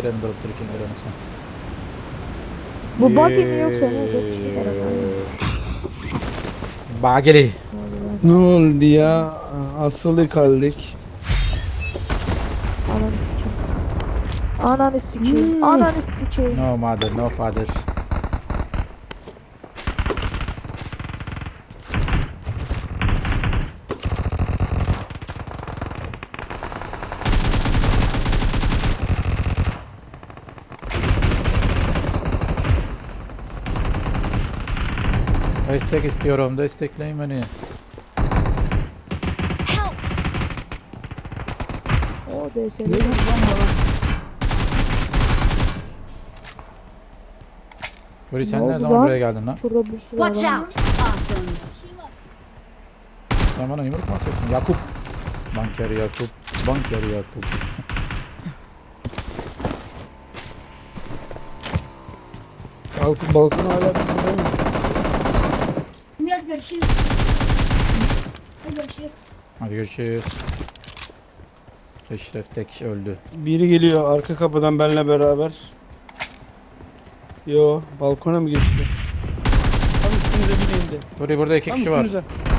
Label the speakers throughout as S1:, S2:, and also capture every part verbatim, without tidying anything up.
S1: freni durup dururken ver onu sen.
S2: Bu buggy mi yoksa ne? Dört kişi var ama.
S1: Bageli.
S3: Ne oldu ya? Asılı kaldık.
S2: Ananı sikeyim. Ananı sikeyim.
S3: Hmm.
S2: Ananı sikeyim.
S1: No mother, no father. Destek istiyorum, destekleyin beni.
S2: O D S
S3: Ne lan bana?
S1: Buri sen
S2: Ne
S1: ne
S2: oldu
S1: zaman
S2: lan?
S1: buraya geldin lan?
S2: Şurada bir sürü
S4: Watch
S2: adam.
S4: out! Awesome.
S1: Sen bana yumruk mu atıyorsun? Yakup. Banker Yakup. Banker Yakup.
S3: Balkon, balkon hala burada mı?
S5: Biraz görüşürüz. Hadi görüşürüz.
S1: Hadi görüşürüz. Eşref tek öldü.
S3: Biri geliyor arka kapıdan benimle beraber. Yo, balkona mı geçti? Tam üstümüze biri indi.
S1: Buri burada iki
S3: Tam
S1: kişi var.
S3: üstümüze.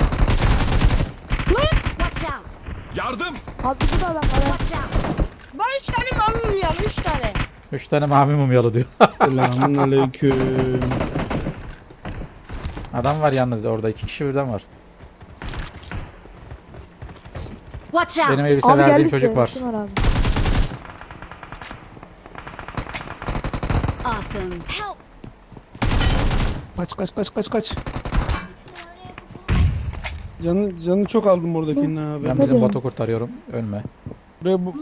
S4: Watch out!
S6: Yardım!
S2: Abi bu da adam var.
S4: Watch out!
S5: Ben üç tane mamur ya, üç tane.
S1: Üç tane mavi mumyalı diyor.
S3: Selamun aleyküm.
S1: Adam var yalnız orada. iki kişi birden var.
S4: Watch out!
S1: Benim elbise
S2: Abi
S1: verdiğim
S2: geldi
S1: çocuk
S2: işte,
S1: var.
S2: kim var abi?
S4: Awesome. Help!
S3: Kaç kaç kaç kaç kaç. Canı, canı çok aldım oradakinin abi.
S1: Ben bizim
S2: Hadi.
S1: botu kurtarıyorum. Ölme.
S3: Buraya bu...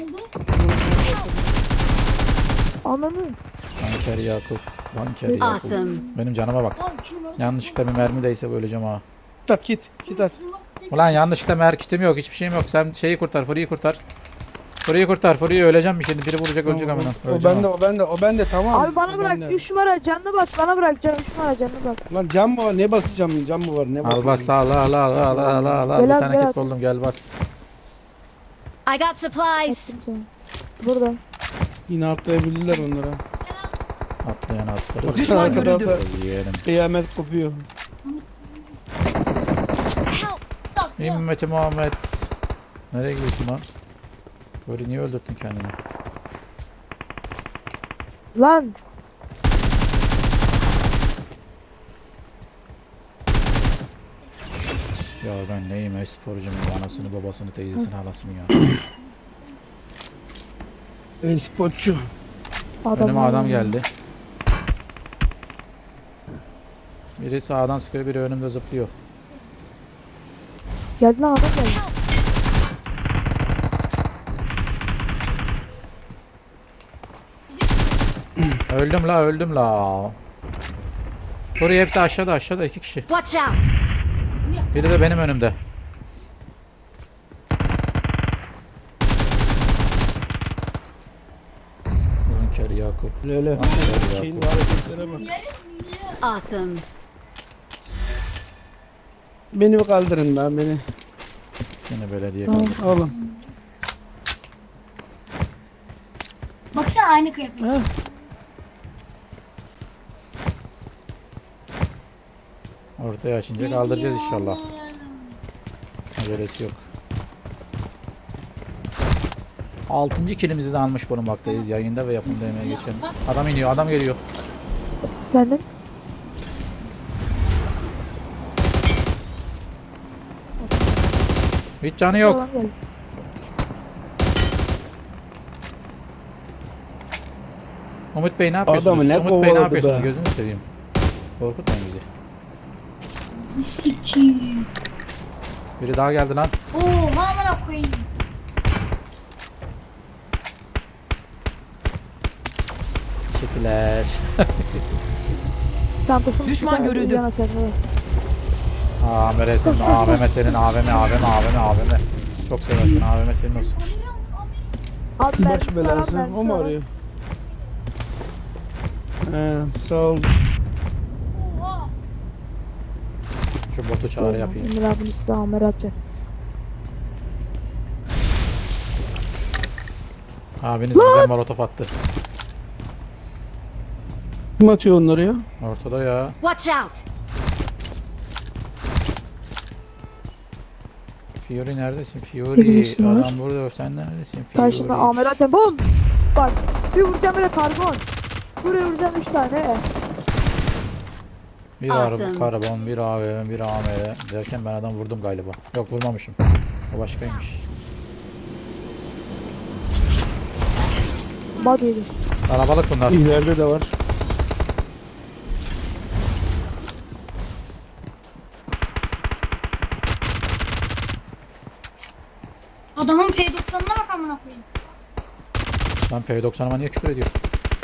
S2: Ananı.
S1: Banker Yakup. Banker Yakup.
S4: Awesome.
S1: Benim canıma bak. Yanlışlıkla bir mermi değse öleceğim ha.
S3: Git at git. Git at.
S1: Ulan yanlışlıkla mer kitim yok. Hiçbir şeyim yok. Sen şeyi kurtar. Furi'yi kurtar. Furi'yi kurtar. Furi'yi öleceğim bir şimdi. Biri vuracak ölecek
S3: Tamam,
S1: amına.
S3: o, o
S1: Öleceğim
S3: bende
S1: ha.
S3: o bende o bende tamam.
S2: Abi bana
S3: O
S2: bırak.
S3: bende.
S2: üç numara canını bas. Bana bırak. Can üç numara canını bas.
S3: Lan cam mı var? Ne basacağım? Cam mı var? Ne
S1: Al
S3: basacağım?
S1: bas al al al al al al al.
S2: Gel
S1: Bir
S2: al,
S1: tane
S2: gel
S1: kit
S2: al.
S1: buldum gel bas.
S4: I got supplies.
S2: Attım sana. Burada.
S3: Yine atlayabilirler onlara.
S1: Atlayan atlarız.
S3: Baksana arka tarafta
S1: Yiyelim.
S3: kıyamet kopuyor.
S4: Help!
S1: Ümmeti Muhammed. Nereye gidiyorsun lan? Böyle niye öldürttün kendini?
S2: Lan.
S1: Ya ben neyim e-sporcuyum. Anasını babasını teyzesini halasını ya.
S3: E, spotçu.
S2: Adam
S1: Önüme adam geldi. Biri sağdan sıkıyor, biri önümde zıplıyor.
S2: Geldi lan adam geldi.
S1: Öldüm la, öldüm la. Buraya hepsi aşağıda, aşağıda iki kişi.
S4: Watch out!
S1: Biri de benim önümde. Banker Yakup.
S3: Lele.
S1: Banker
S3: Şeyin
S1: Yakup.
S3: hareketlere bak.
S4: Awesome.
S3: Beni bir kaldırın lan beni.
S1: Yine belediye
S2: Tamam.
S1: kaldırsın.
S3: Oğlum.
S5: Baksana aynı kıyafet.
S3: Ha?
S1: Ortaya açınca kaldıracağız inşallah. Acelesi yok. Altıncı kilimizi de almış bulunmaktayız. Yayında ve yapımda emeğe geçelim. Adam iniyor, adam geliyor.
S2: Benden.
S1: Hiç canı yok.
S2: Adam geldi.
S1: Umut Bey ne yapıyorsunuz?
S3: Adamı ne
S1: Umut Bey ne
S3: kovaladı
S1: yapıyorsunuz?
S3: be?
S1: Gözünü seveyim. Korkutmayın bizi.
S5: Sikiyim.
S1: Biri daha geldi lan.
S5: Oo, amına koyayım.
S1: Teşekkürler.
S2: Çantasını
S7: Düşman
S2: tutar,
S7: görüldü.
S2: yana sen de.
S1: A V M senin, A V M senin, A V M, A V M, A V M, A V M. Çok seversin, A V M senin olsun.
S2: Abi
S3: Baş
S2: mermisi var,
S3: belası.
S2: mermisi
S3: O mu
S2: var.
S3: arıyor? He, sağ ol.
S5: Oha.
S1: Şu botu çağrı yapayım.
S2: Emir abinin size amir atacak.
S1: Abiniz bize molotof attı.
S3: Kim atıyor onları ya?
S1: Ortada ya.
S4: Watch out!
S1: Fury neredesin?
S2: Bir
S1: Fury.
S2: birisi var.
S1: Adam burada. Sen neredesin? Fury.
S2: Karşımda Amer Atem. Bom! Bak bir vuracağım böyle karbon. Buraya vuracağım üç tane.
S1: Bir
S4: Awesome.
S1: araba, karbon, bir A V M, bir A M R derken ben adam vurdum galiba. Yok vurmamışım. O başkaymış.
S2: Bak yedi.
S1: Kalabalık bunlar.
S3: İleride de var.
S5: Adamın P doksanına bak amına koyayım.
S1: Lan P doksanıma niye küfür ediyorsun?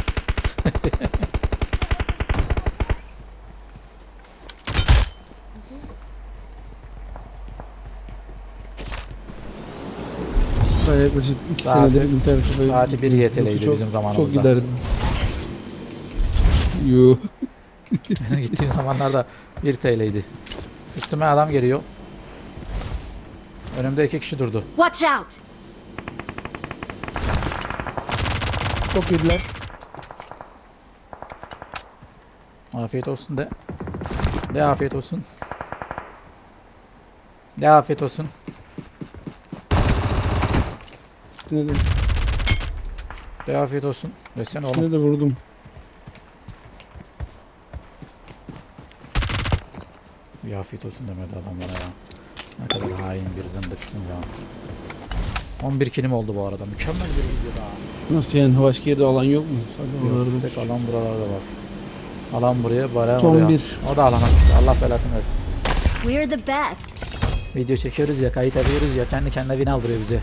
S3: Ben yaklaşık iki
S1: Saati-
S3: senedir internette böyle-
S1: saati bir Y T L'ydi
S3: Çok-
S1: bizim zamanımızda.
S3: Çok giderdim. Yuh.
S1: Gittiğim zamanlarda bir T L'ydi. Üstüme adam geliyor. Önümde iki kişi durdu.
S4: Watch out!
S3: Çok yediler.
S1: Afiyet olsun de. De afiyet olsun. De afiyet olsun.
S3: İkisine de,
S1: De afiyet olsun. Desene oğlum.
S3: ikisine de vurdum.
S1: Bir afiyet olsun demedi adamlara ya. Ne kadar hain bir zındıksın ya. on bir kilim oldu bu arada. Mükemmel bir video daha.
S3: Nasıl yani? Başka yerde alan yok mu? Sadece
S1: Yok,
S3: oralarda.
S1: tek alan buralarda var. Alan buraya, bana
S3: Son
S1: oraya.
S3: bir.
S1: O da alana gitti. Allah belasını versin.
S4: We're the best.
S1: Video çekiyoruz ya, kayıt ediyoruz ya, kendi kendine win aldırıyor bize.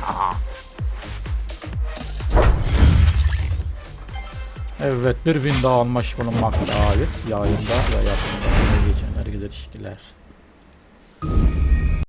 S1: Evet, bir win daha almış bulunmaktayız. Yayında ve yapımda. Geçenler güzel teşekkürler.